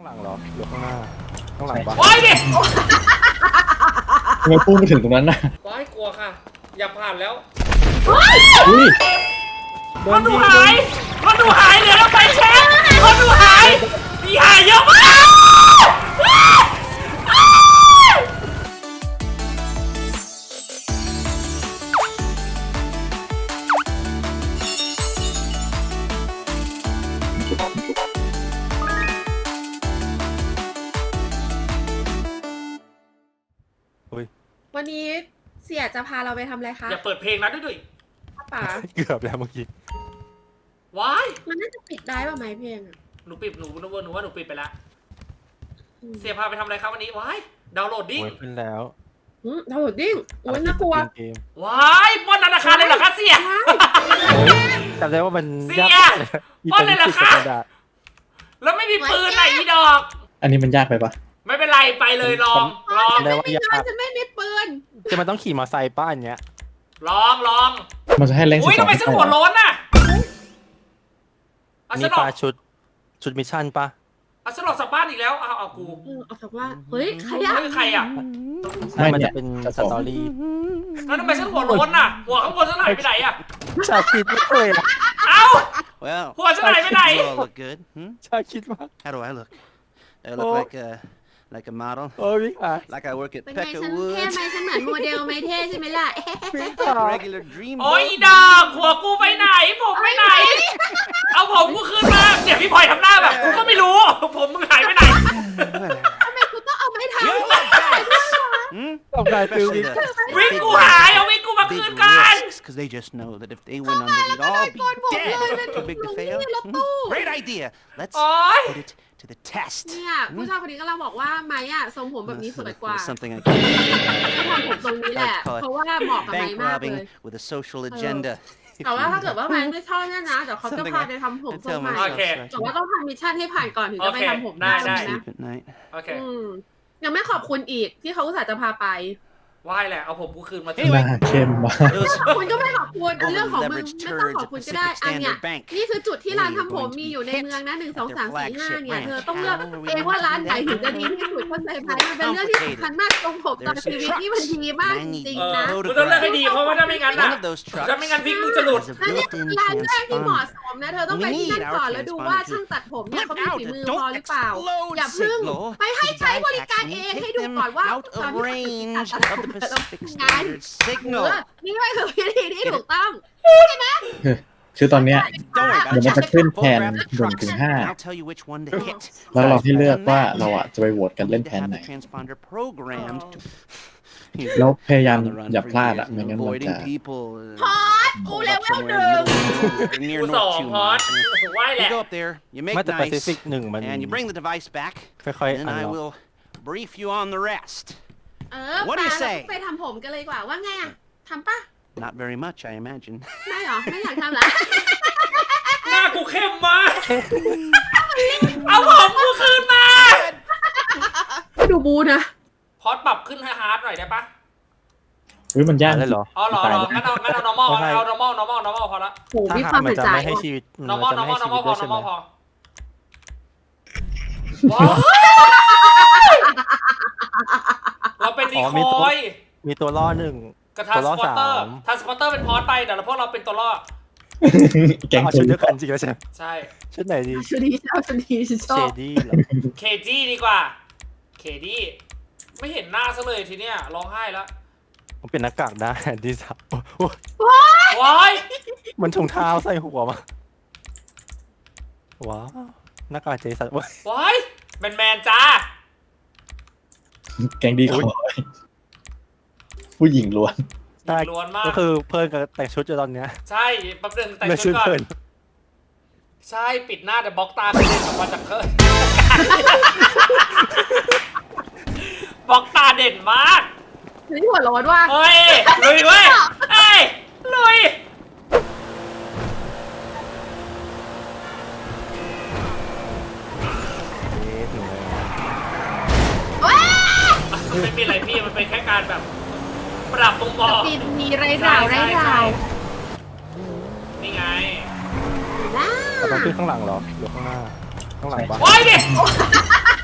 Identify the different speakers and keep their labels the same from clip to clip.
Speaker 1: ข้างหลังเหรอหรือข้างหน้าข้างหลังปะ
Speaker 2: โอ้ยดิ
Speaker 3: ทำไมพูดไม่ถึงตรงนั้นน่ะ
Speaker 2: ว้ายกลัวค่ะ อย่าผ่านแล้ว
Speaker 3: อุ้ย
Speaker 2: คนดูหายคนดูหายเหลือแล้วไปเช็คคนดูหายมีหายเยอะมาก
Speaker 4: วันนี้เสี่ยจะพาเราไปทำอะไรคะ
Speaker 2: อย่าเปิดเพลงนะด้วย
Speaker 4: ป๋า
Speaker 1: เกือบแล้วเมื่อกี้
Speaker 2: ว้าย
Speaker 4: มันน่าจะปิดได้ป่ะไหมเพลงอ่ะ
Speaker 2: หนูปิดหนูว่าหนูปิดไปแล้วเสียพาไปทำอะไรครับวันนี้ว้ายดาวน์โหลดดิ้ง
Speaker 1: โอ้ยขึ้นแล้ว
Speaker 4: ดาวน์โหลดดิ้งโอ้ยน่ากลัว
Speaker 1: เกม
Speaker 2: ว้ายปล้นธนาคารเลยเหรอคะเสีย
Speaker 1: จำได้ว่ามัน
Speaker 2: เสีย
Speaker 1: ยาก
Speaker 2: ป้อนเลยเหรอคะ
Speaker 1: กระดาษ
Speaker 2: แล้วไม่มีปืนไหนอีดอก
Speaker 3: อันนี้มันยากไปปะ
Speaker 2: ไม่เป็นไรไปเลยลองลอง
Speaker 1: จำได้ว่ายาก
Speaker 4: ฉันไม่มีปืน
Speaker 1: จะมันต้องขี่มอเตอร์ไซค์ป้าอันเนี้ย
Speaker 2: ลอง
Speaker 3: มันจะให้แรง
Speaker 2: อุ้ย
Speaker 3: 12
Speaker 2: ทำไมฉันหัวโล้นน่ะเอา
Speaker 1: มี
Speaker 2: ฉันอ
Speaker 1: ป
Speaker 2: อก
Speaker 1: ลาชุดมิชชั่นปะ
Speaker 2: เอาฉันออกจากบ้านอีกแล้วเอากู
Speaker 4: ออกจากว่าเฮ้ยใครอะ
Speaker 2: เฮ้ยใครอ่ะ
Speaker 1: ใช่มันจะเป็นสตอรี่
Speaker 2: แล้วทำไมฉันหัวโล้นน่ะ หัวข้างบนฉันหายไปไหนอ่ะ
Speaker 1: ชาคิดไม่เคยอะ
Speaker 2: เอ้า
Speaker 5: Well,
Speaker 2: หัวฉันหายไปไหน
Speaker 5: you all look good. Hmm?
Speaker 1: ชาคิดว่า
Speaker 5: How do I look? Do I look like a model?
Speaker 1: โอ้ยพี่ขา
Speaker 5: Like I work at
Speaker 4: เป็นไง
Speaker 5: Pecka
Speaker 4: ฉันเท่
Speaker 5: Woods?
Speaker 4: ไหมฉันเหมือนโมเดลไหมเท่ใช่ไหมล่ะ
Speaker 1: พี่ขา
Speaker 5: Regular dream
Speaker 2: โอ้ย
Speaker 5: boat?
Speaker 2: อีดอกหัวกูไปไหน ผมไปไหน เอาผมกูคืนมาเดี๋ยวพี่พลอยทำหน้าแบบกูก็ไม่รู้ ผมมึงหายไปไหน
Speaker 4: ทำไมคุณต้องเอาไม้เท้า
Speaker 5: You look bad. Hmm?
Speaker 1: ตบได้ฟิล
Speaker 5: Especially
Speaker 1: ลิ่ง
Speaker 5: the
Speaker 2: วิ่ง
Speaker 5: big
Speaker 2: กูหาย เอาวิ่งกูมา
Speaker 5: big
Speaker 2: คืนกัน
Speaker 5: risks, because they just know that if they went under, we'd all be dead. Too big to fail. Hmm? Great idea. Let's
Speaker 2: โอ้ย
Speaker 5: put it to the test.
Speaker 4: เนี่ยผู้ชายคนนี้ก็เราบอกว่าไม้อะทรงผมแบบนี้สวยกว่า
Speaker 5: There's something I can
Speaker 4: จะทำผมตรงนี้แหละ เพราะว่าเหมาะกับไม้
Speaker 5: bank
Speaker 4: มากเลย
Speaker 5: robbing with a social agenda.
Speaker 4: แต่ว่าถ้าเกิดว่าไม้ไม่ชอบเนี่ยนะเดี๋ยวเขาจะพาไปทำผมทรงใหม่
Speaker 2: โอเค
Speaker 4: แต่ว่าต้องทำมิชชั่นให้ผ่านก่อนถึงจะไปทำผม
Speaker 2: ได้
Speaker 4: ได้
Speaker 2: ได้
Speaker 4: นะ
Speaker 5: Sleep at night.
Speaker 2: โอเค
Speaker 4: ยังไม่ขอบคุณอีกที่เขาอุตส่าห์จะพาไป
Speaker 2: ว่ายแหละ เอาผมกูคืนมา
Speaker 3: หน้าเข้มมาก
Speaker 5: Those
Speaker 4: คุณก็ไม่ขอบคุณเรื่องของมึง
Speaker 5: Leveraged
Speaker 4: ไม่ต้อง
Speaker 5: turds
Speaker 4: ขอบ
Speaker 5: at
Speaker 4: คุณก็ได้
Speaker 5: Pacific
Speaker 4: อันเนี้ย
Speaker 5: Standard Bank.
Speaker 4: นี่คือจุดที่ร้านทำผม
Speaker 5: Where are you
Speaker 4: มี
Speaker 5: going
Speaker 4: อยู่ใน
Speaker 5: to
Speaker 4: เมืองนะ1 2 3 4 5เนี่ย
Speaker 5: their
Speaker 4: เธอต้องเลือก
Speaker 5: flagship
Speaker 4: เองว่าร้านไหนถึงจะดีที่สุดเข้าใจไหมมันเป็นเรื่องที่สำคัญมากตรงผมตอนชีวิตนี่มันดีมากจริงๆนะ
Speaker 2: กูต้องเลือกให้ดีเพราะว่าถ้าไม่งั้น
Speaker 5: One
Speaker 2: น่ะ
Speaker 5: of those trucks
Speaker 2: ถ้าไม่งั้นพริกมึงจะหลุด
Speaker 5: has a
Speaker 4: นั่นเนี่ย
Speaker 5: built-in
Speaker 4: ร้านแรกที่เหมาะ
Speaker 5: transponder.
Speaker 4: สมนะเธอต้องไปที่นั่นก่อนแล้วดูว่าช่างตัดผมเนี่ยเขามีฝีมือพอหรือเปล่า อย่าเพิ่งไปให้ใช้บริการเองให้ดูก่อนว่า
Speaker 5: out
Speaker 4: ตอน
Speaker 5: of
Speaker 4: ที่
Speaker 5: range
Speaker 4: ตัด
Speaker 5: of
Speaker 4: ผม
Speaker 5: the
Speaker 4: ต้อง
Speaker 5: Pacific
Speaker 4: งาน
Speaker 5: Standard signal.
Speaker 4: นี่ไม่คือวิธีที่ถูกต้อง
Speaker 3: คือตอนเนี้ย
Speaker 5: Don't worry
Speaker 3: เดี๋ยว
Speaker 5: about
Speaker 3: มัน
Speaker 5: it.
Speaker 3: จะขึ้น
Speaker 5: Just
Speaker 3: แผน
Speaker 5: photograph the
Speaker 3: 1 ถึง
Speaker 5: trucks, and
Speaker 3: 5
Speaker 5: I'll tell you which one to hit.
Speaker 3: แล้วเราให้เลือกว่าเราอะจะไปโหวตกันเล่น
Speaker 5: Need
Speaker 3: แผ
Speaker 5: to
Speaker 3: น
Speaker 5: have
Speaker 3: ไหน
Speaker 5: the transponder programmed to
Speaker 3: แล้วพยายาม
Speaker 5: on the run
Speaker 3: อย่า
Speaker 5: for
Speaker 3: พลาด
Speaker 5: years
Speaker 3: อะ
Speaker 5: and
Speaker 3: ไม่งั้นมัน
Speaker 5: avoiding
Speaker 3: จะ
Speaker 5: people.
Speaker 4: พอดกู
Speaker 5: Hold
Speaker 4: เล
Speaker 5: up
Speaker 4: เวล
Speaker 5: somewhere
Speaker 4: หนึ่ง
Speaker 5: in the middle or near
Speaker 2: กูสอง
Speaker 5: North
Speaker 2: พอด
Speaker 5: Tumut.
Speaker 2: ว่ายแห
Speaker 5: You
Speaker 2: ละ
Speaker 5: go up there, you make
Speaker 1: ไม่แต่แปซิ
Speaker 5: nice,
Speaker 1: ฟิก1มัน
Speaker 5: and you bring the device back,
Speaker 1: ค่อย
Speaker 5: and
Speaker 1: ๆ
Speaker 5: then
Speaker 1: อัน
Speaker 5: I
Speaker 1: ล็อก
Speaker 5: will brief you on the rest.
Speaker 4: ปา
Speaker 5: What do you
Speaker 4: เรา
Speaker 5: say?
Speaker 4: ไปทำผมกันเลยดีกว่าว่าไงอะทำปะ
Speaker 5: Not very much, I imagine.
Speaker 4: ไม่หรอ ไม่อยากทำเหรอ
Speaker 2: หน้ากูเข้มมากเอาผมกูคืนมา
Speaker 4: ดูบูนะ
Speaker 2: พอดปรับขึ้นให้ฮาร์ดหน่อยได้ปะ
Speaker 3: อุ้ยมันยาก
Speaker 1: เลยเหรอ
Speaker 2: อ๋อเหรอ
Speaker 3: ตาย
Speaker 2: เหรอ
Speaker 3: แล้ว
Speaker 2: งั้นเอา normal เอา normal พอละ
Speaker 4: โห
Speaker 1: ถ้า
Speaker 4: มีคาม
Speaker 1: หาวมัน
Speaker 4: เป็น
Speaker 1: จะ
Speaker 4: ใจ
Speaker 1: ไม่ให้ชีวิตมัน
Speaker 2: normal
Speaker 1: จะไม่ให้ชีวิต
Speaker 2: พอ
Speaker 1: ด้วยใช่ไหม
Speaker 2: normal พอว้าวเราเป็นดีคอย
Speaker 1: มีตัวล่อหนึ่ง
Speaker 2: กับทา
Speaker 1: ตัว
Speaker 2: ส
Speaker 1: ล่อ
Speaker 2: ปอร์เตอร์
Speaker 1: 3
Speaker 2: ทาสปอร์เตอร์เป็นพอดไปแต่เราพวกเราเป็นตัวล่อ
Speaker 3: แกง
Speaker 1: เอา
Speaker 3: ตั
Speaker 1: ชุ
Speaker 3: ว
Speaker 1: ดเดียวกันจริงแล้วใช่ไหม
Speaker 2: ใช่
Speaker 1: ชุดไหนดี
Speaker 4: ชุดนี้ชอบชุดนี้ฉันช
Speaker 1: เช
Speaker 4: อบ
Speaker 1: ดี้เหรอ
Speaker 2: เคจี้ดีกว่าเคดี้ไม่เห็นหน้าซะเลยทีเนี้ยร้องไห้แล้ว
Speaker 1: ผมเป็นหน้ากากได้ดีสับโอ้ย
Speaker 2: ว้าย
Speaker 1: มันถุงเท้าใส่หัวมาว้าวหน้ากากเจสันโอ้ย
Speaker 2: ว้ายแมนจ้า
Speaker 3: แกงดีคอยผู้หญิงล้วน
Speaker 1: ใช่
Speaker 2: ล้วนมาก
Speaker 1: ก็คือเพิ่นกับแต่งชุดอยู่ตอนเนี้ย
Speaker 2: ใช่แป๊บนึงแต่ง
Speaker 1: เลย
Speaker 2: ชุ
Speaker 1: ชุ
Speaker 2: ด
Speaker 1: ด
Speaker 2: ก่อน
Speaker 1: เพิ่น
Speaker 2: ใช่ปิดหน้าแต่บล็อกตาไม่เล่นออกมาจากเคยบล็อกตาเด่นมาก
Speaker 4: นี่หัวร้อนว่ะ
Speaker 2: เฮ้ยลุยเว้ยเอ้ยลุย
Speaker 1: ถึงเลย
Speaker 2: ไม่มีอะไรพี่มันเป็นแค่การแบบ ปรับมุมมอง
Speaker 4: ปีนมีไรราวไรราว
Speaker 2: นี่ไง
Speaker 4: ล่า
Speaker 1: เราต้องขึ้นข้างหลังเหรอหรือข้างหน้าข้างหลังปะ
Speaker 2: โอ้ยดิ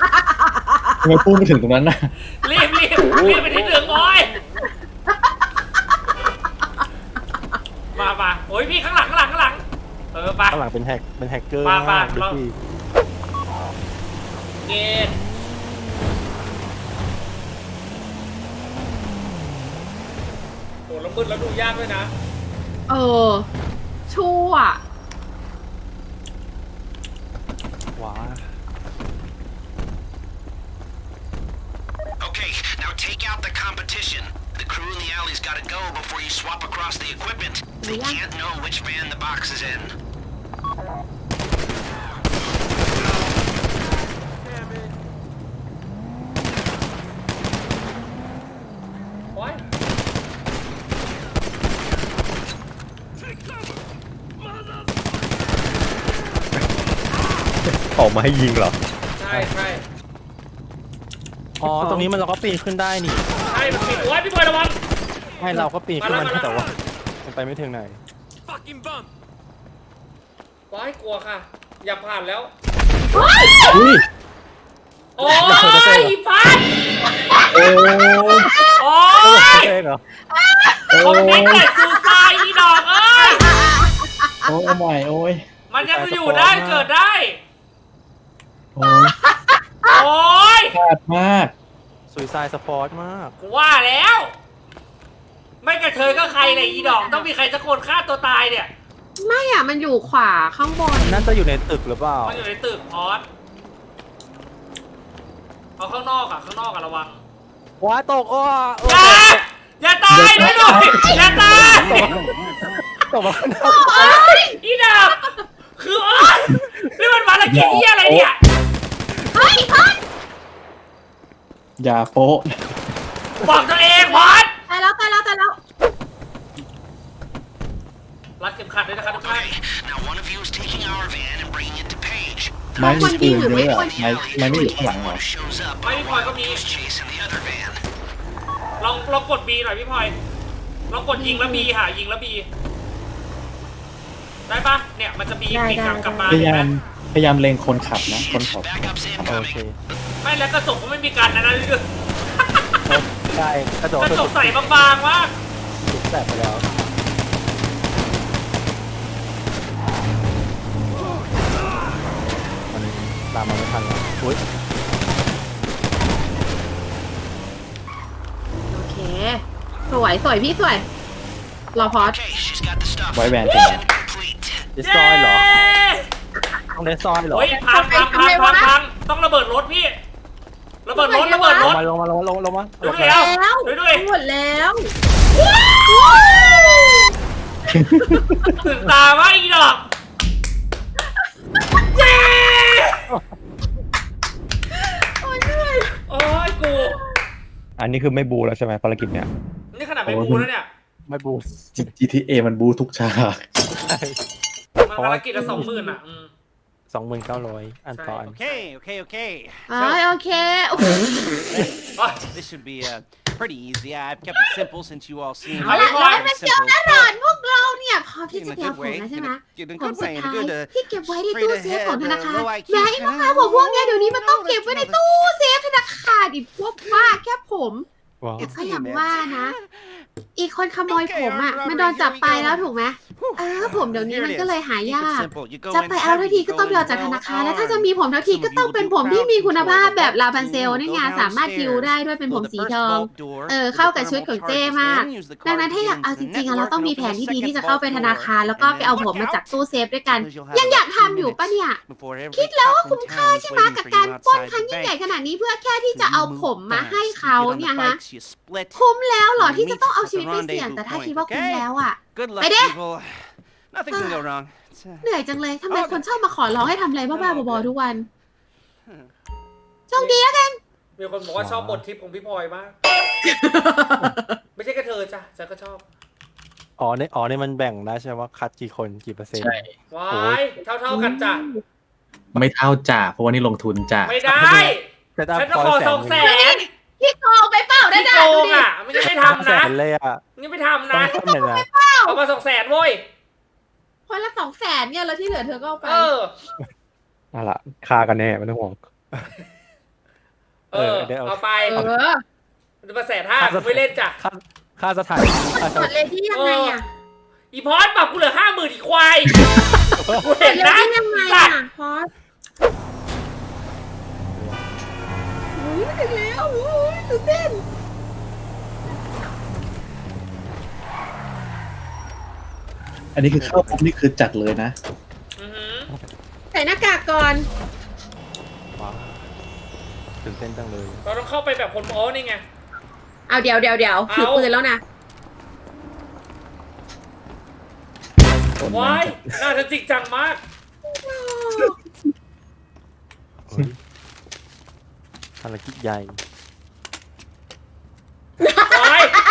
Speaker 3: ทำไมปุ้มไปถึงตรงนั้นน่ะ
Speaker 2: รีบไปที่หนึ่งโอ้ยมาโอ้ยพี่ข้างหลังไป
Speaker 1: ข้างหลังเป็นแฮกเกอร์
Speaker 2: มา
Speaker 1: มาก
Speaker 2: เรา
Speaker 1: พี่
Speaker 2: เกณฑ์โอ้แล้วมืดแล้วดูยากด้วยนะ
Speaker 4: เออชั่ว
Speaker 1: ว้า
Speaker 6: Okay, now take out the competition. The crew in the alley's gotta go before you swap across the equipment. They can't know which van the box is in.
Speaker 2: โอ้ย
Speaker 7: ออกมาให้ยิงเหรอ
Speaker 2: ใช่
Speaker 1: อ๋อตรงนี้มันเราก็ปีนขึ้นได้นี่
Speaker 2: มันปิดโอ้ยพี่บอยระวัง
Speaker 1: ให้เราก็ปีนขึ้นมา
Speaker 2: มาแล้ว
Speaker 1: ได้แต่ว่ามันไปไม่ถึงไหน
Speaker 2: ว้ายกลัวค่ะ อย่าผ่านแล้ว
Speaker 3: อุ้ย
Speaker 2: โอ้ยพัด
Speaker 3: โอ้ย
Speaker 2: โอ้ย
Speaker 1: เจ๊เหรอ
Speaker 2: ผมเด็กแต่ซูซายอีดอกเอ้ย
Speaker 3: โอ้ยใหม่โอ้ย
Speaker 2: มันยังอยู่ได้เกิดได้
Speaker 3: โอ้ย
Speaker 2: โอ้ย
Speaker 3: ขาดมาก
Speaker 1: ซุยไซสปอร์ตมาก
Speaker 2: กูว่าแล้ว ไม่กระเทยก็ใครเลยอีดอก ต้องมีใครสักคนฆ่าตัวตายเนี่ย
Speaker 4: ไม่อ่ะมันอยู่ขวาข้างบน
Speaker 1: นั่นจะอยู่ในตึกหรือเปล่า
Speaker 2: มันอยู่ในตึกพอสเอาข้างนอกอะระวัง
Speaker 1: ว้าตกอ้อ
Speaker 2: อย่าตายด้วยอย่าตาย
Speaker 1: ตกมาข้างนอก
Speaker 2: อีดอกคือโอ๊ยนี่มันภารกิจที่อะไรเนี่ย
Speaker 4: เฮ้ยพัด
Speaker 3: อย่าโป๊ะ
Speaker 2: บอกตัวเองพอส
Speaker 4: ตายแล้ว
Speaker 2: รัดเข็มขัดด้วยนะครับทุกท่าน
Speaker 6: Okay, now one of you is taking our van and bringing it to Paige.
Speaker 3: ไม้มีปืนเยอะอะไม้ไม่อยู่ข้างหลังเหรอ
Speaker 6: Who shows up,
Speaker 2: Maybe
Speaker 6: I'll
Speaker 2: Paul có
Speaker 6: be
Speaker 2: bị-
Speaker 6: chasing the other van.
Speaker 2: ลองกด B หน่อยพี่พลอยลองกดยิงแล้ว B ค่ะยิงแล้ว B ได้ปะเนี่ยมันจะ B
Speaker 4: ได้
Speaker 2: ปิดกลับมา
Speaker 3: พยา
Speaker 2: เห็นไหม
Speaker 3: ยามเล็งคนขับนะ คนขับ
Speaker 6: Backup's
Speaker 1: โอเค
Speaker 6: incoming.
Speaker 2: ไม่แล้วกระจกก็ไม่มีการนะ
Speaker 1: ใช่กระจก
Speaker 2: กระจกใส่บางๆมาก
Speaker 1: ถูกแตกไปแล้วมันตามมาไม่ทันแล้วอุ้ย
Speaker 4: โอเค สวยพี่สวย รอพอส
Speaker 6: Okay, she's got the stuff.
Speaker 3: ไว้แวนเต็ม
Speaker 6: Mission complete.
Speaker 1: ดิสซอยเหรอต้องเดสซอยเหรอ
Speaker 2: โอ้ยพังต้องระเบิดรถพี่ ระเบิดรถ
Speaker 1: ลงมา
Speaker 2: ดูดิเอาดูดิ
Speaker 4: หมดแล้ว
Speaker 2: ตื่นตาว่าอีดอกเย้
Speaker 4: โอ้ยเหนื่อย
Speaker 2: โอ้ยกู
Speaker 7: อันนี้คือไม่บูแล้วใช่ไหมภารกิจเนี้ย
Speaker 2: นี่ขนาดไม่บูแล้วเนี่ย
Speaker 1: ไม่บู
Speaker 3: GTA มันบูทุกฉาก
Speaker 2: มันภารกิจละ20,000อ่ะ
Speaker 1: 2,900 อันต่ออัน
Speaker 6: Okay.
Speaker 4: โอเคโอ้โห
Speaker 6: This should be pretty easy. I've kept it simple since you all seem
Speaker 2: เอา
Speaker 6: very
Speaker 2: พี่พลอย
Speaker 4: มันเกี่ยวแน่นอนพวกเราเนี่ยพร้อมที่
Speaker 6: In
Speaker 4: จะ
Speaker 6: a
Speaker 4: เกี่ยว
Speaker 6: good
Speaker 4: ผม
Speaker 6: way.
Speaker 4: นะใช่ไหม
Speaker 6: In a
Speaker 4: ผม
Speaker 6: good
Speaker 4: สุด
Speaker 6: way. In a
Speaker 4: ท้าย
Speaker 6: good
Speaker 4: ที่เก็บไว้ใน
Speaker 6: straight
Speaker 4: ตู้เซฟ
Speaker 6: ahead,
Speaker 4: ของธนาคาร
Speaker 6: low IQ
Speaker 4: อย่าให้น้องมาบอกพวกเนี้ยเดี๋ยวนี้มันต้องเก็บไว้ในตู้เซฟธนาคารอีกพวกบ้าแค่ผม
Speaker 1: ว้าว
Speaker 6: It's
Speaker 4: ก็
Speaker 6: the
Speaker 4: อย่าง
Speaker 6: immense.
Speaker 4: ว่านะ อีกคนขโมยผมอ่ะ มันโดนจับไปแล้วถูกไหมผมเดี๋ยวนี้มันก็เลยหายาก จะไปเอาทันทีก็ต้องไปเอาจากธนาคาร แล้วถ้าจะมีผมทันทีก็ต้องเป็นผมที่มีคุณภาพแบบลาพันเซลนี่ไงสามารถคิวได้ด้วยเป็นผมสีทอง เข้ากับชุดของเจ้มาก ดังนั้นถ้าอยากเอาจริงๆเราต้องมีแผนที่ดีที่จะเข้าไปธนาคารแล้วก็ไปเอาผมมาจากตู้เซฟด้วยกัน ยังอยากทำอยู่ปะเนี่ย คิดแล้วว่าคุ้มค่าใช่ไหมกับการปล้นครั้งยิ่งใหญ่ขนาดนี้เพื่อแค่ที่จะเอาผมมาให้เขาเนี่ยฮะ คุ้มแล้วเหรอที่จะต้องเอาชีวิตไปเสี่ยงแต่ถ้าคิดว่าคุ้มแล้วอ่ะ
Speaker 6: Good luck,
Speaker 4: Mày đi.
Speaker 6: people. Nothing can go wrong. It's,
Speaker 4: เหนื่อยจังเลยทำไมคนชอบมาขอร้องให้ทำอะไรบ้าๆบอๆทุกวันโชคดีแล้วกัน
Speaker 2: มีคนบอกว่าชอบบททิปของพี่พลอยมาก ไม่ใช่แค่เธอจ้ะฉันก็ชอบ
Speaker 1: อ๋อเนี่ยมันแบ่งได้ใช่ไหมว่าคัดกี่คนกี่เปอร์เซ็นต์
Speaker 3: ใช่
Speaker 2: ว้ายเท่ากันจ้ะ
Speaker 3: ไม่เท่าจ่าเพราะว่านี่ลงทุนจ่า
Speaker 2: ไม่ได้
Speaker 1: แต่ถ้า
Speaker 2: ฉันจะขอ200,000
Speaker 4: พี่โกงไปเปล่าได้
Speaker 2: พี่
Speaker 4: ด่า
Speaker 2: โก
Speaker 4: ดู
Speaker 2: ง
Speaker 4: ดิ
Speaker 2: อ่ะมันยังไม่ทำ
Speaker 1: แส
Speaker 2: นะ
Speaker 1: นเลยอ่ะ
Speaker 2: ยังไม่ทำ
Speaker 1: ต้อง
Speaker 2: นะ
Speaker 1: ทำเลยนะ
Speaker 2: เอามา200,000เว้ย
Speaker 4: คนละ200,000เนี่ยแล้วที่เหลือเธอก็เอาไป
Speaker 2: เออ
Speaker 7: นั่นแหละฆ่ากันแน่ไม่ต้องห่วง
Speaker 1: เดี๋ยว
Speaker 2: เอาไป
Speaker 4: เออ
Speaker 2: มันมา150,000ไม่เล่นจ้ะ
Speaker 1: ค่าสถานที่ค่า
Speaker 4: หมดเลยที่ยังไงอ่ะ
Speaker 2: อีพอสปรับกูเหลือ50,000อีควายกู
Speaker 4: หม
Speaker 2: เห็
Speaker 4: ด
Speaker 2: น
Speaker 4: เลย
Speaker 2: นะ
Speaker 4: ที่ยังไง
Speaker 2: สั
Speaker 4: อ่ะ
Speaker 2: ตว์
Speaker 4: พอสอุ้ยถึงแล้วอุ้ยตื่นเต้น
Speaker 3: อันนี้คือเข้าปุ๊บนี่คือจัดเลยนะ
Speaker 2: อือหือ
Speaker 4: ใส่หน้ากากก่อน
Speaker 1: ว้าวตื่นเต้นจังเลย
Speaker 2: เราต้องเข้าไปแบบคนโอ้นี่ไง
Speaker 4: เอาเดี๋ยวถือปืนแล้วนะ
Speaker 2: ว้ายน่าจะจริงจังมาก
Speaker 1: เฮ้ยภารกิจใหญ่
Speaker 2: ว้าย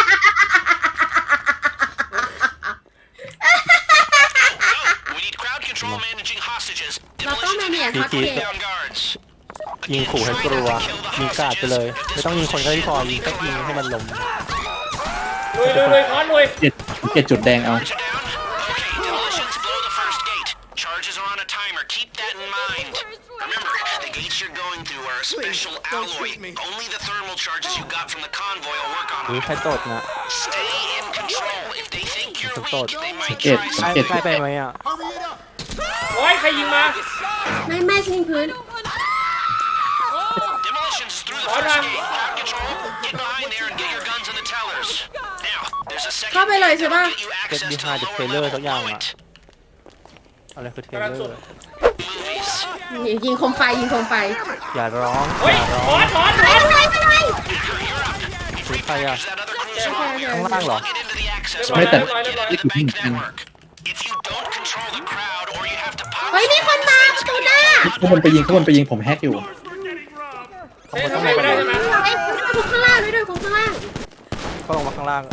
Speaker 6: We need crowd control managing hostages.
Speaker 4: เราต้องแมเนจ
Speaker 1: พี่
Speaker 4: ฮอต
Speaker 1: กิ๊
Speaker 4: เก
Speaker 1: ก
Speaker 4: ต
Speaker 6: On guards.
Speaker 1: ยิงขู่ให้กลัว ยิงกราดไปเลย ไม่ต้องยิงคนก็ได้พอยิงแค่ยิงให้มันล้ม
Speaker 2: ลุยพอสลุย
Speaker 3: เจ็ดจุดแดงเอา
Speaker 6: Guards are down. Okay, demolitions blow the first gate. Charges are on a timer. Keep that in mind. Remember, the gates you're going through are a special alloy. Only the thermal charges you got from the convoy will work on
Speaker 1: หรือ
Speaker 6: them.
Speaker 1: ใครตดนะ
Speaker 6: Stay in control. If they think you're
Speaker 1: Some thought.
Speaker 6: weak, they might
Speaker 3: เจ็ด
Speaker 6: try
Speaker 1: ใกล้
Speaker 6: something.
Speaker 1: ใกล้ไปไหมอ่ะ
Speaker 2: ว้ายใครยิงมา
Speaker 4: ไม่ชิงพื้น
Speaker 6: Demolitions is through the
Speaker 2: Hold
Speaker 6: first
Speaker 2: on.
Speaker 6: gate. Crowd control. Get behind there and get your guns in the tellers. Now, there's a second
Speaker 4: เข้าไปเลย
Speaker 6: gate
Speaker 4: ใช่
Speaker 6: that
Speaker 4: ปะ
Speaker 6: will get you
Speaker 1: เก็ต
Speaker 6: access
Speaker 1: บี
Speaker 6: to
Speaker 1: ฮา
Speaker 6: the
Speaker 1: เดอะเท
Speaker 6: lower
Speaker 1: เลอร์
Speaker 6: level
Speaker 1: สักอย่าง
Speaker 6: below
Speaker 1: อ่ะ
Speaker 6: it.
Speaker 1: อะไรคือเท
Speaker 2: กำลัง
Speaker 1: เลอ
Speaker 2: สุด
Speaker 1: ร์
Speaker 6: Movies.
Speaker 4: ยิงโคมไฟยิงโคมไฟ
Speaker 1: อย่าร้อง
Speaker 2: เฮ้ย
Speaker 1: อย่าร้
Speaker 2: พ
Speaker 1: อ
Speaker 2: อง ส
Speaker 4: ไปเลย
Speaker 1: คือใครอ่ะ
Speaker 6: That other cruiser on.
Speaker 1: ข้างล่างเหรอ
Speaker 6: Get into the access
Speaker 2: ไม่แต่
Speaker 6: point. Get into the bank network. If you don't control the crowd, or you have to pop
Speaker 4: เฮ้ยมีคนมาประตูหน้า
Speaker 3: ข้างบนไปยิงผมแฮกอยู่
Speaker 2: เฮ้ยทำไมไม่ได้ใช่ไหม
Speaker 4: เอ้ยคุกข้างล่างด้วยคุกข้างล่าง
Speaker 1: ก็ลงมาข้างล่าง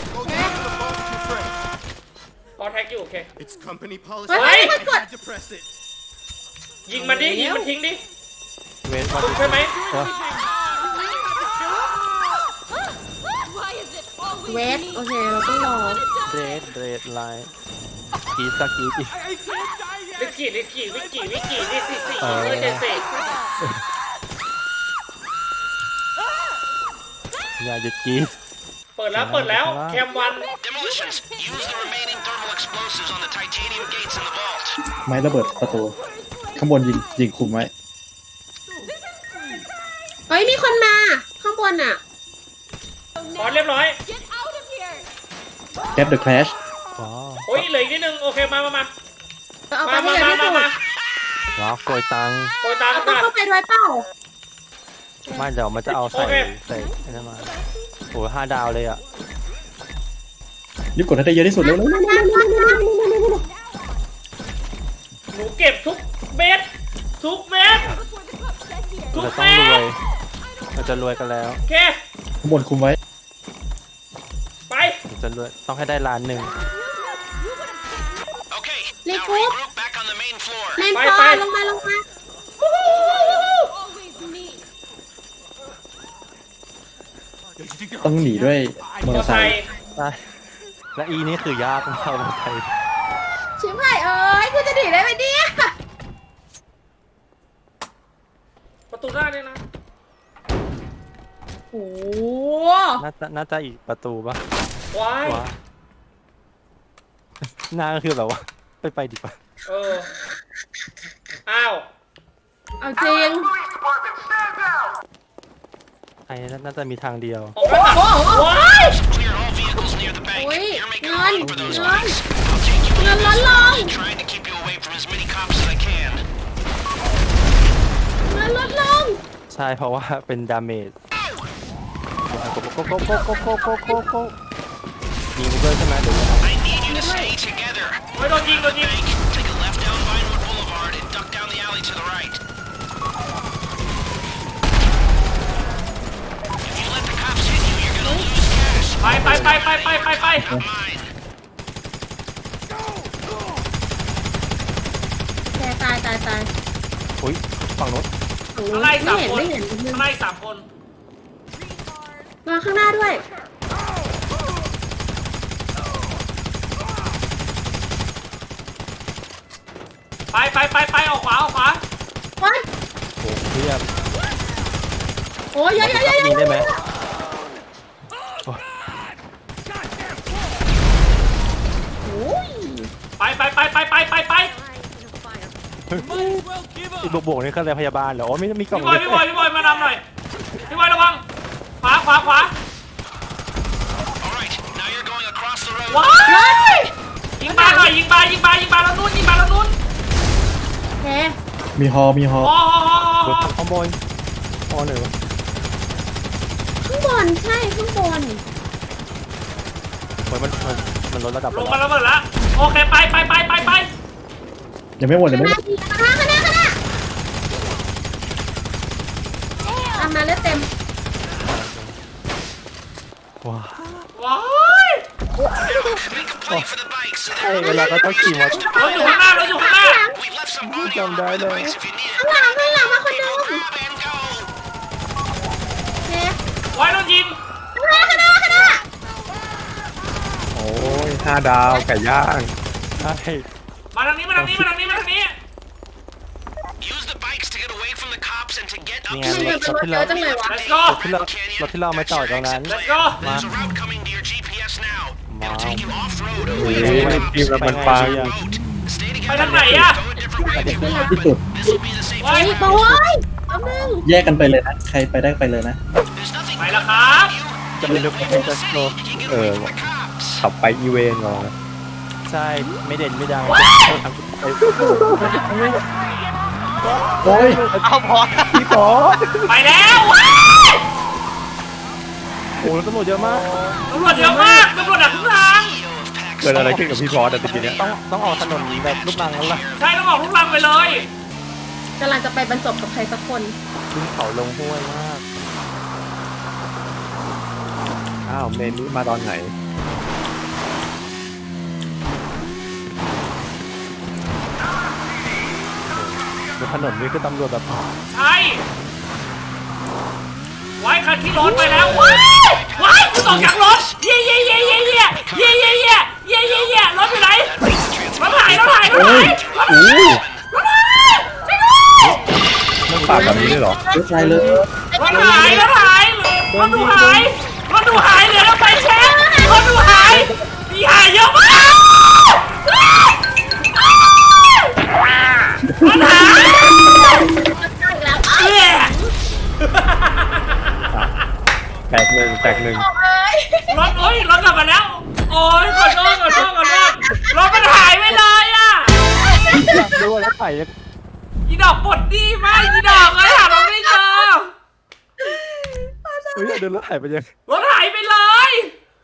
Speaker 2: พอสแท็กอยู่โอเค
Speaker 8: It's company policy.
Speaker 4: เฮ้ยมันกด
Speaker 8: to press it.
Speaker 2: ยิงมันดิ ยิงมันทิ้งดิ
Speaker 1: เวทมา
Speaker 2: ถูกใช่ไหม
Speaker 4: เวทโอเคเราต้องรอ
Speaker 1: เรดไลน์กีสกีอี
Speaker 2: วิกกี้นี่สี่
Speaker 1: เออ
Speaker 2: เจ็ดสี่
Speaker 1: อย่าหยุดกีส
Speaker 2: เปิดแล้วแคมวัน
Speaker 6: demolitions. Use the remaining thermal explosives on the titanium gates in the vault.
Speaker 3: ไม้ระเบิดประตู ข้างบนยิงคุมไว้
Speaker 4: เฮ้ยมีคนมาข้างบนอ่ะ
Speaker 2: พอสเรียบร้อย
Speaker 3: แคปเดอะแคลช
Speaker 1: ว้าว
Speaker 2: โอ้ยเหลืออีกนิดนึงโอเคมา
Speaker 4: เอาไปให้เร็วที่สุด
Speaker 1: ว้าวโกยตังค์
Speaker 2: โกยตาม
Speaker 4: เรา
Speaker 2: กั
Speaker 4: ต้อน งเข้าไปด้วยเปล่า
Speaker 1: ไม่เดี๋ยวมันจะเอาใส่
Speaker 2: โอเค
Speaker 1: ใส่ไอ้นั่นมาโอ้ย5 ดาวเลยอ่ะ
Speaker 3: รีบกดให้ได้เยอะที่สุดเร็ว
Speaker 2: หนูเก็บทุกเม็ดทุก
Speaker 1: เราจะต้อ
Speaker 2: เม็
Speaker 1: งรวย
Speaker 2: ด
Speaker 1: เราจะรวยกันแล้ว
Speaker 2: โอเค
Speaker 3: ๆข้างบนคุมไว้
Speaker 2: ไป
Speaker 1: เราจะรวยต้องให้ได้1 ล้าน
Speaker 6: Okay,
Speaker 4: Let's
Speaker 6: now
Speaker 4: go.
Speaker 6: regroup back on the main floor.
Speaker 4: แมน
Speaker 2: ไป
Speaker 4: ฟอ
Speaker 2: ไป
Speaker 4: ร์ลงมา
Speaker 3: ต้องหนีด้วยมอ
Speaker 2: ม
Speaker 3: เต
Speaker 2: อ
Speaker 3: อร์
Speaker 2: ไซ
Speaker 3: ไซค์
Speaker 2: ค์
Speaker 1: ใช่และอีนี่คือยากมากมาใส่
Speaker 4: ชิบหายเอ้ยกูจะหนีได้ไหมเนี่ย
Speaker 2: ประตูหน้าเนี่ยนะ
Speaker 4: โอ้
Speaker 1: น่าจะอีกประตูปะ
Speaker 2: ว้าย
Speaker 1: ว้าหน้าก็คือแบบว่าไปดีกว่า
Speaker 2: อ้าว
Speaker 4: เอาจริง
Speaker 1: ไอ้น่าจะมีทางเดียว
Speaker 2: ออกมา
Speaker 4: โอ้โห
Speaker 2: ว้าย
Speaker 6: Clear all vehicles near the bank.
Speaker 4: Wait,
Speaker 6: You're making a
Speaker 4: none,
Speaker 6: run for those
Speaker 4: none.
Speaker 6: bikes. I'll take you
Speaker 4: None,
Speaker 6: in.
Speaker 4: none.
Speaker 6: Trying to keep you away from as many cops as I can.
Speaker 4: เงินลดลง
Speaker 1: ใช่เพราะว่าเป็นดาเมจโกยิงไปด้วยใช่ไหมหรือยังไง
Speaker 6: I need you to stay together.
Speaker 2: ไม่โดนยิง
Speaker 6: Bank, take a left down Vinewood Boulevard and duck down the alley to the right. If you let the cops hit you, you're gonna lose cash.
Speaker 2: ไป
Speaker 6: Not mine.
Speaker 4: แกตาย
Speaker 1: อุ้ยฝั่งโน้น
Speaker 2: ข้างในสามคน
Speaker 4: ไม่เห็น
Speaker 2: ข้างใน3 คน
Speaker 4: มาข้างหน้าด้วย
Speaker 2: ไปออกขวา
Speaker 4: วัน
Speaker 1: โอ้เพียบ
Speaker 4: โอ้ยยัย
Speaker 1: ยิงได้ไหม
Speaker 4: โอ้ย
Speaker 2: ไป
Speaker 1: อีกบวกนี่คืออะไรพยาบาลเหรอโอ้ไม่มีกล่อง
Speaker 2: พี่บอยมานำหน่อยพี่บอยระวังขวา
Speaker 6: All right, now you're going across the road.
Speaker 2: ว้ายยิงปลาหน่อยยิงปลาแล้วนู้น
Speaker 4: โอเค
Speaker 3: มีฮอ
Speaker 2: อ๋อ
Speaker 1: ขโมยอ๋อหนึ่ง
Speaker 4: ข้างบนใช่ข้างบน
Speaker 1: เหมือนมันลดระดับ
Speaker 2: ลงมาระเบิดแล้วโอเคไป
Speaker 3: ยังไม่หมด
Speaker 4: ข้างหน้าตามมาเลือดเต็ม
Speaker 1: ว้า
Speaker 2: ว้าย
Speaker 6: Make a plate for the bikes so
Speaker 1: ใช่
Speaker 6: that
Speaker 1: เวลาก็ต้องขี่มอเตอร์
Speaker 2: เราอยู่ข้างหน้า
Speaker 6: we've left some body
Speaker 1: Jump
Speaker 6: armor on the
Speaker 1: down
Speaker 6: bikes if you need
Speaker 4: ข้างห
Speaker 6: it.
Speaker 4: ลังมาคนนึง
Speaker 6: Grab and go.
Speaker 4: โอเค
Speaker 2: ไว้โดนยิง
Speaker 4: ข้างหน้า
Speaker 7: โอ้ย5 ดาวไก่ย่าง
Speaker 1: ใช่
Speaker 2: มาทางนี้
Speaker 6: Use the bikes to get away from the cops and to get up
Speaker 1: นี่
Speaker 6: to
Speaker 1: ไง
Speaker 6: speed.
Speaker 1: รถที่เรา
Speaker 4: จังเลยวะ
Speaker 2: let's go
Speaker 1: รถที่เรามาจอดตรงนั้น
Speaker 2: let's go
Speaker 6: There's a route coming to your GPS now. It'll take you off-road
Speaker 7: โอ้
Speaker 6: away
Speaker 7: ย
Speaker 6: from the
Speaker 7: ทีมเรามันปัง
Speaker 6: boat. Stay
Speaker 2: ไป
Speaker 6: together.
Speaker 2: ทางไหนอะ
Speaker 6: Go a different way if you
Speaker 3: ที่
Speaker 6: want.
Speaker 3: สุด
Speaker 6: This will be the safe
Speaker 2: ไว้
Speaker 4: ไอ้บอยเอาหนึ่ง
Speaker 3: แยกกันไปเลยนะ ใครไปได้ไปเลยนะ
Speaker 6: There's nothing
Speaker 2: ไปแล้วครับ
Speaker 1: จะเป็นรถเป็นจัสโต
Speaker 6: you can get away from the cops.
Speaker 7: ขับไปอีเวนต์ก่อนนะ
Speaker 1: ใช่ไม่เด่นไม่ดัง
Speaker 3: โอ้ย
Speaker 1: เอาพอพี่พอ
Speaker 2: ไปแล้วว้าย
Speaker 1: โอ้แล้วตำรวจเยอะมาก
Speaker 2: ตำรวจเยอะมากตำรวจดักทุกทาง
Speaker 7: เกิดอะไรขึ้นกับพี่พอสอะตะกี้เนี้ย
Speaker 1: ต้องออกถนนแบบลูกรังแล้วล่ะ
Speaker 2: ใช่ต้องออกทุกลังไปเลย
Speaker 4: กำลังจะไปบรรจบกับใครสักคน
Speaker 1: ขึ้นเขาลงห้วยมาก
Speaker 7: อ้าวเมนนี้มาตอนไหน
Speaker 1: บนถนนนี่คือตำรวจแบบ
Speaker 2: ใช่ไว้คันที่รถไปแล้วว้ายกูตกจากรถเย่รถอยู่ไหนรถหายช่วยด้วย
Speaker 7: มันปากแบบนี้เลยเหรอ
Speaker 3: รถไฟเลย
Speaker 2: รถหายเหลือแล้วไปเช็ครถดูหายมีหายเยอะมากรถหายเอ๊ะ
Speaker 7: แตกหนึ่ง
Speaker 2: รถรถกลับมาแล้วโอ้ยขอโทษรถมันหายไปเลยอ่ะ
Speaker 1: อยากดูแล้วถ่าย
Speaker 2: อีดอกปวดดีมากอีดอกเลยหารถไม่เจอ
Speaker 1: เฮ้ยเดินแล้วถ่ายไปยัง
Speaker 2: รถหายไปเลย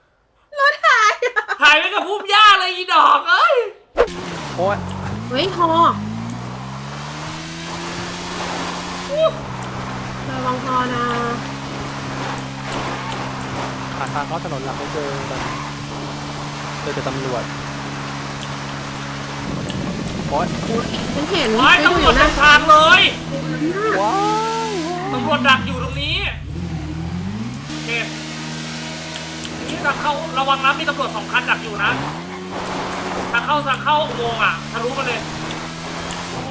Speaker 2: หายไปกับพุ่มหญ้าเลยอีดอกเอ้ย
Speaker 1: โอ้ย
Speaker 4: เฮ้ยฮอระวังฮอนะ
Speaker 1: หาทางเข้าถนนหลักไม่เจอแบบเจอแต่ตำรวจโอ้ย
Speaker 4: ฉันเห็น
Speaker 2: ว้ายตำรวจ
Speaker 4: นะ
Speaker 2: นำทางเลย
Speaker 1: ว้าว
Speaker 2: ตำรวจดักอยู่ตรงนี้โอเคนี่ทางเข้าระวังนะมีตำรวจ2 คันดักอยู่นะทางเข้าอุโมงค์อ่ะทะลุมาเลยโอ้โห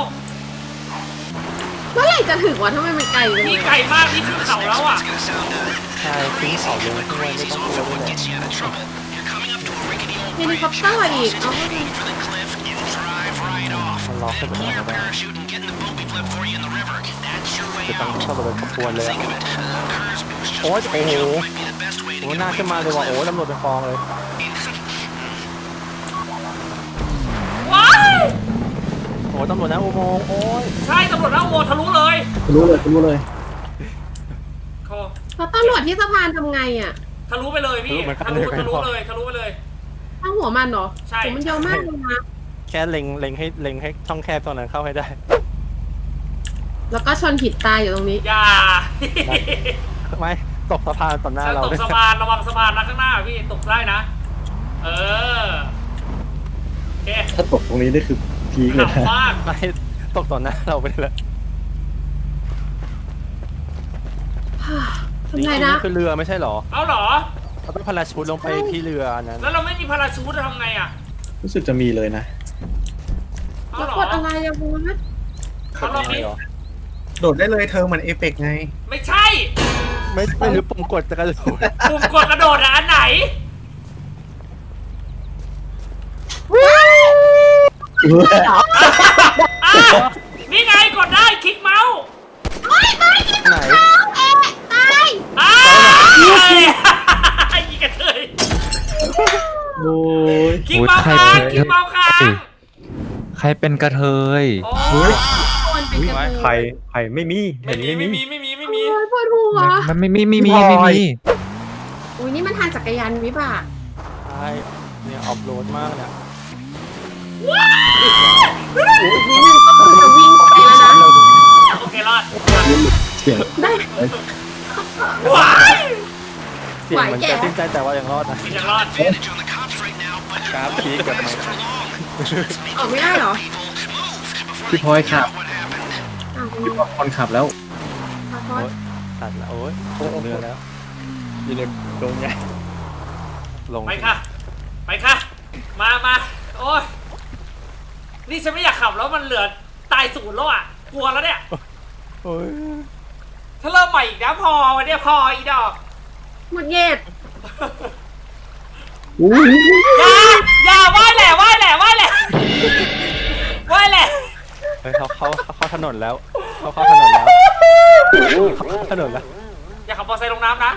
Speaker 4: เมื่อไหร่จะถึงวะทำไมมันไกลจังเล
Speaker 2: นี่
Speaker 4: ย
Speaker 2: ไกลมากนี่ขึ้นเขาแล้วอ่ะ
Speaker 6: It's gonna sound
Speaker 1: ใช่ทิ้งเขาลงห้วยไม่ต้องกลัวด้วยแหละ
Speaker 6: gets you out of trouble. You're coming up to a rickety old
Speaker 4: เฮลิ
Speaker 6: bridge.
Speaker 4: คอปเตอร์อีก เอา
Speaker 6: Aim for the cliff and drive right off.
Speaker 1: มันล็อกให้
Speaker 6: Then
Speaker 1: ผม
Speaker 6: pull
Speaker 1: เอา
Speaker 6: your
Speaker 1: ได้
Speaker 6: parachute and get in the boat we flip for you in the river. That's your way
Speaker 1: จะต้อง
Speaker 6: out.
Speaker 1: เข้าไปเป็นขบวนเลยอะ
Speaker 6: Think of it. Curse boost just
Speaker 1: โอ้ย
Speaker 6: before
Speaker 1: โอ้
Speaker 6: you
Speaker 1: โห
Speaker 6: jump might be the best way to
Speaker 1: โอ้
Speaker 6: get
Speaker 1: หน้า
Speaker 6: away
Speaker 1: ขึ้นมา
Speaker 6: from
Speaker 1: เลยว่ะ
Speaker 6: this
Speaker 1: โอ้ตำรวจเป็นฟองเลย
Speaker 2: ว้าย
Speaker 1: โอ้ตำรวจนะอุโมงค์โอ้ย
Speaker 2: ใช่ตำรวจหน้าอุโมงค์ทะลุเลย
Speaker 3: รู้เลย
Speaker 2: โอ้
Speaker 4: แล้วตำรวจที่สะพานทำไงอ่ะ
Speaker 2: ทะลุไปเลยพี่ทะลุไปเลย
Speaker 4: ตั้งหัวมันเหรอ
Speaker 2: ใช่
Speaker 4: โหมันเยอะมากเลยนะ
Speaker 1: แค่เล็งให้ช่องแคบตรงนั้นเข้าให้ได้
Speaker 4: แล้วก็ชนหินตายอยู่ตรงนี้
Speaker 2: อย่า
Speaker 1: ไม่ตกสะพานต่อหน้า
Speaker 2: ฉัน
Speaker 1: เรา
Speaker 2: ตก
Speaker 1: ด้วย
Speaker 2: สะพานระวังสะพานนะข้างหน้าพี่ตกได้นะ เออโอเค
Speaker 3: ถ้าตกตรงนี้นี่คือพีคเลย
Speaker 2: ขำ
Speaker 3: นะ
Speaker 2: มาก
Speaker 1: ไม่ตกต่อหน้าเราไปเลย
Speaker 4: ทำไงนะ
Speaker 1: คือเรือไม่ใช่หรอ
Speaker 2: เอาเหรอ
Speaker 1: เราต้องพาราชูทลงไปที่เรือนั้น
Speaker 2: แล้วเราไม่มีพาราชูทจะทำไงอ่ะ
Speaker 3: รู้สึกจะมีเลยนะ
Speaker 2: เอา
Speaker 4: แล้ว
Speaker 2: เหรอก
Speaker 4: ดอะไรอะบูนะ
Speaker 2: เขาลองดิ
Speaker 1: เหรอ
Speaker 3: โดดได้เลยเธอเหมือนเอเปกไง
Speaker 2: ไม่ใช่
Speaker 1: ไม่รู้ปุ่มกดจะกระโดด
Speaker 2: ปุ่มกดกระโดดอะอันไหนอ่ะนี่ไงกดได้คลิกเมาส์
Speaker 1: ไหน
Speaker 4: ตาย
Speaker 2: อ่ายิงกระเทย
Speaker 3: โอ้ย
Speaker 2: คลิกเมาส์ค้างคลิกเมาส์ค้าง
Speaker 8: ใครเป็นกระเทย
Speaker 2: โอ้
Speaker 4: คนเป็นกระเทย
Speaker 7: ใครไม่มี
Speaker 2: ไม่
Speaker 7: เห็น
Speaker 2: มี
Speaker 7: ไม่
Speaker 2: ไม่
Speaker 7: มี
Speaker 2: มีไม่มีไม่มี
Speaker 4: โอ้ยปวดหัว
Speaker 8: มันไม่มี
Speaker 4: อุ้ยนี่มันทางจักรยานวิบาก
Speaker 1: ใช่เนี่ยออฟโรดมากเนี่ย
Speaker 4: นิดนึงก็คงจะวิ่งไปแล้วนะ
Speaker 2: โอเครอด
Speaker 3: เสียง
Speaker 2: ว้าย
Speaker 1: เสียงมันจะสิ้นใจแต่ว่ายังรอดนะ
Speaker 2: ยังรอด
Speaker 6: Advantage on the cops right now, but
Speaker 1: กราฟพีกับไมค์
Speaker 6: for long.
Speaker 4: ออกไม่ได้เหรอ
Speaker 3: พี่พลอยขับ
Speaker 4: อ้าว
Speaker 3: พี่พลอยคนขับแล้ว
Speaker 4: ขอโทษ
Speaker 1: ตัดแล้วโอ้ยเรือแล้ว
Speaker 7: อยู่ในตรงใหญ่
Speaker 1: ลง
Speaker 2: ไปค่ะ ไปค่ะ มาโอ้ยนี่ฉันไม่อยากขับแล้วมันเหลือตายศูนย์แล้วอ่ะกลัวแล้วเนี่ย
Speaker 1: โอ้ย
Speaker 2: ถ้าเริ่มใหม่อีกนะพอวันเนี้ยพออีดอก
Speaker 4: หมดเย็ด
Speaker 2: อย่าไหว้แหละไหว้แหละไหว้แหละไหว้แหละ
Speaker 1: เฮ้ยเขาเข้าถนนแล้วเขาเข้าถนนแล้วเขาเข้าถนนแล้ว
Speaker 2: อย่าขับมอเตอร์ไซค์ลงน้ำนะ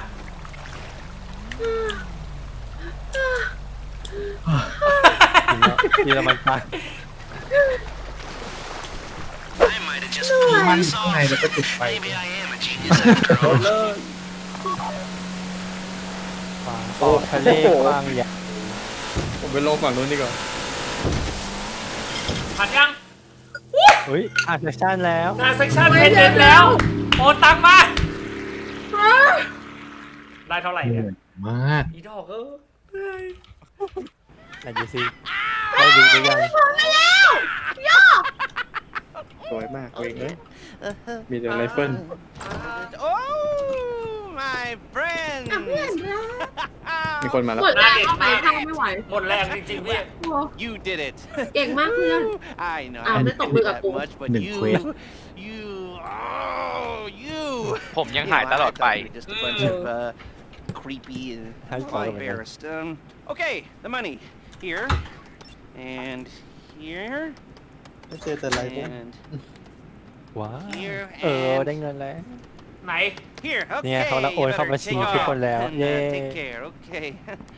Speaker 1: ทีละมันตาย
Speaker 6: I might have just
Speaker 3: มัน
Speaker 6: pulled this
Speaker 3: ข้างใน
Speaker 6: off.
Speaker 3: แล้วก็จุดไฟ
Speaker 6: Maybe I am a genius after all.
Speaker 1: ออกทะเลกว้างใหญ่
Speaker 7: ผมไปลงฝั่งนู้นดีกว่า
Speaker 2: ผ่านยัง
Speaker 1: เฮ้ยอ่านเซสชั่นแล้ว
Speaker 2: งานเซ็กชันเพนเดนแล้วโอนตังมา ได้เท่าไหร่
Speaker 3: เห
Speaker 2: เนี่ย
Speaker 3: นื่อยมาก
Speaker 2: อีดอกเออ
Speaker 1: ไหนดูซิได้ดูหรือยัง
Speaker 7: สวยมากเองเลยมีแต่ไรเฟิล
Speaker 5: Oh, my friend.
Speaker 4: อ่ะเพื่อนรัก
Speaker 7: มีคนมาแล้ว
Speaker 4: หมดแรงเข้าไปเข้าไม่ไหว
Speaker 2: หมดแรงจริงๆพี่
Speaker 4: โอ้
Speaker 5: You did it.
Speaker 4: เก่งมากเพื่อน
Speaker 5: I know.
Speaker 4: Ah,
Speaker 5: I
Speaker 4: may
Speaker 5: didn't
Speaker 4: tọc
Speaker 5: do
Speaker 4: mưa gặp
Speaker 5: that
Speaker 4: cô.
Speaker 5: much, but
Speaker 3: Đừng
Speaker 5: you,
Speaker 3: khuyên.
Speaker 5: you.
Speaker 8: ผมยังหายตลอดไป
Speaker 5: Just a bunch of creepy and
Speaker 1: Hãy khỏi rồi.
Speaker 5: embarrassed. Okay, the money here and here
Speaker 3: ไม่เจอแต่ไรพวก
Speaker 5: and
Speaker 1: ว้าว
Speaker 5: here
Speaker 1: ได้
Speaker 5: and
Speaker 1: เงินแล้ว
Speaker 2: ไหน
Speaker 5: here. Okay.
Speaker 1: เนี่ยเขาละโอนเข้า
Speaker 5: you better
Speaker 1: บัญชี
Speaker 5: take
Speaker 1: ทุกคน
Speaker 5: off
Speaker 1: แล้ว
Speaker 5: and,
Speaker 1: เย้
Speaker 5: take care. Okay.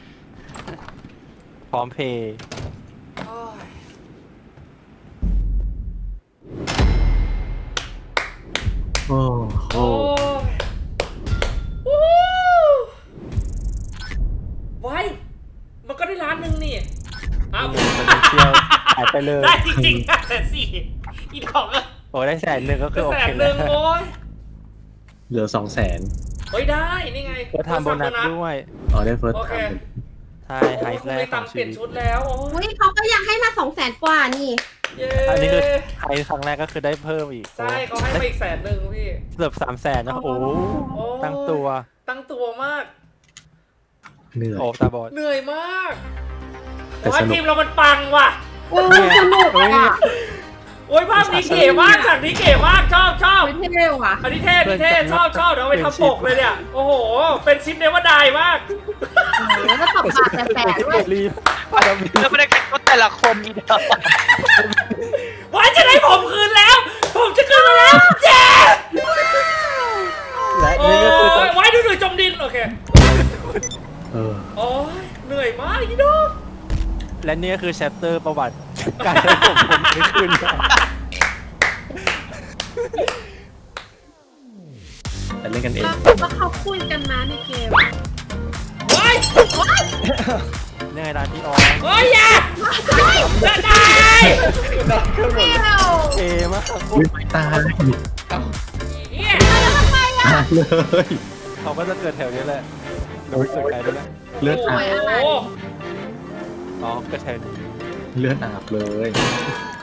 Speaker 1: พร้อมเพย์
Speaker 2: โอ้ย
Speaker 3: โอ้โห
Speaker 2: โอ้ยวู้ไว้มันก็ได้ล้านหนึ่งนี่อ้าว
Speaker 1: เป็นเที่ยวหายไปเลย
Speaker 2: ได้จริงๆ140,000อีดอกอะ
Speaker 1: โอ้ได้100,000ก็คือโอ
Speaker 2: แส
Speaker 1: เคน
Speaker 2: ห
Speaker 1: แล้
Speaker 2: นึ่
Speaker 1: ว
Speaker 2: งโอ้ย
Speaker 3: เหลือ200,000
Speaker 2: เฮ้ยได้นี่ไง
Speaker 1: ก็ทำโบนัสด้วย
Speaker 3: อ๋อได้เฟิร์ส
Speaker 2: โอเค
Speaker 3: ทำ
Speaker 1: ใช่ไฮ
Speaker 2: โอ้ย
Speaker 1: ส์
Speaker 2: คุณ
Speaker 1: แร
Speaker 2: ไม่
Speaker 1: กขอ
Speaker 2: ตั
Speaker 1: ง
Speaker 2: งค์เป
Speaker 1: ชี
Speaker 2: ลี่ยน
Speaker 1: วิต
Speaker 2: ชุดแล้วโอ้
Speaker 4: อุ้ยเขาก็ยังให้มา200,000 กว่านี่
Speaker 2: เย้
Speaker 1: อันนี้คือไฮส์ครั้งแรกก็คือได้เพิ่มอีก
Speaker 2: ใช่เขาให้มาอีก100,000พี่
Speaker 1: เกือบ300,000นะโอ้
Speaker 2: โอ้
Speaker 1: ตั้งตัว
Speaker 2: ตั้งตัวมาก
Speaker 3: เหนื่อย
Speaker 1: โอ้ตาบอด
Speaker 2: เหนื่อยมาก
Speaker 3: แต่
Speaker 2: แต่ว่า
Speaker 3: สนุก
Speaker 2: ทีมเรามันปังว่ะ
Speaker 4: โอ้ยสนุกอ่ะ
Speaker 2: โอ้ยภาพนี้เก๋มากฉากนี้เก๋มากชอบ
Speaker 4: ไม่เท่ว่ะ
Speaker 2: อันนี้เท่อันนี้เท่ชอบเดี๋ยวเอาไปทำปกเลยเนี่ย โอ้โห เป็นชิปเนวดายมาก
Speaker 4: แล้วก็ตบปากแสบๆด้วย
Speaker 1: รีบ
Speaker 8: แล้วไม่ได้กันก็แต่ละคนมีเดียว
Speaker 2: ว้ายจะได้ผมคืนแล้ว ผมจะคืนมาแล้วเจ๊
Speaker 1: และ
Speaker 2: โอ้
Speaker 1: นี่ก็คือตอน
Speaker 2: ยไว้ดูหน่อยจมดิน โอเค
Speaker 3: เออ
Speaker 2: โอ้ยเหนื่อยมากอีดอก
Speaker 1: และนี่ก็คือแชปเตอร์ประวัติ การได้ผมไม่คืน
Speaker 3: แต่เล่นกันเอง
Speaker 4: ก็เขาคุยกันนะในเกม
Speaker 2: ว้าย
Speaker 1: นี่ไงร้านพี่ออ
Speaker 2: โอ้ยอย่าจะได้
Speaker 1: เอมาก
Speaker 3: อุ้ยไม่ตาย
Speaker 2: เนี่ย
Speaker 3: ตายเลย
Speaker 1: เขาก็จะเกิดแถวนี้แหละรู้สึกใครด้วยแหละ
Speaker 3: เลือดอาบ
Speaker 2: โอ้โห
Speaker 1: อ๋อเกิดแถวนี้
Speaker 3: เลือดอาบเลย
Speaker 2: โ